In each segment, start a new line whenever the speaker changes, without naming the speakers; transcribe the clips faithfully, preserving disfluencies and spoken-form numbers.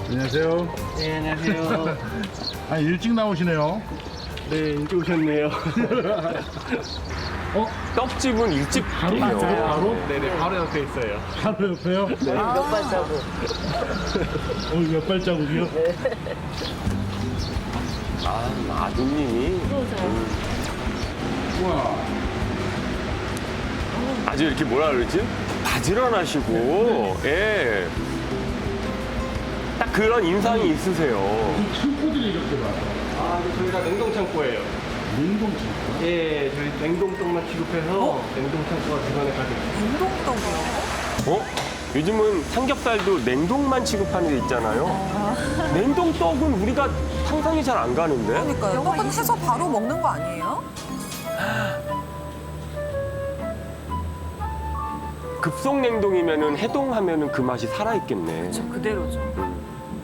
안녕하세요.
네, 안녕하세요.
아, 일찍 나오시네요.
네, 일찍 오셨네요.
어?
떡집은 일찍
바로
해요.
맞아요? 바로?
네네, 바로 옆에 있어요.
바로 옆에요?
네, 몇 발자국.
어, 몇 발자국이요?
아, 아드님이
우와.
아주 이렇게 뭐라 그러지? 바지런하시고, 예. 딱 그런 인상이 있으세요.
창고들이 이렇게 많아.
아, 네, 저희가 냉동 창고예요.
냉동 창고?
예, 저희 냉동떡만 취급해서 냉동 창고가 주변에 가득 있어요.
냉동떡이요?
어? 요즘은 삼겹살도 냉동만 취급하는 데 있잖아요. 냉동떡은 우리가 상상이 잘 안 가는데?
그러니까요. 떡은 해서 바로 먹는 거 아니에요?
급속 냉동이면은 해동하면은 그 맛이 살아있겠네.
저 그대로죠.
음.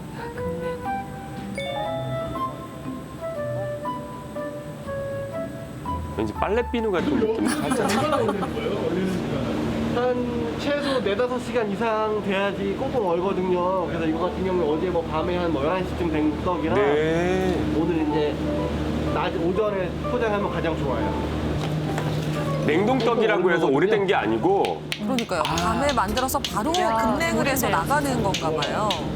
왠지 빨래 비누 같은 느낌이 살짝.
얼마나 걸리는 거예요? 걸리는 시간은?
한 최소 네다섯 시간 이상 돼야지 꽁꽁 얼거든요. 그래서 이거 같은 경우는 어제 뭐 밤에 한 뭐 열한 시쯤 된 떡이라
네.
오늘 이제 낮 오전에 포장하면 가장 좋아요.
냉동떡이라고 해서 오래된 게 아니고
그러니까요. 밤에 만들어서 바로 급냉을 해서 나가는 건가 봐요.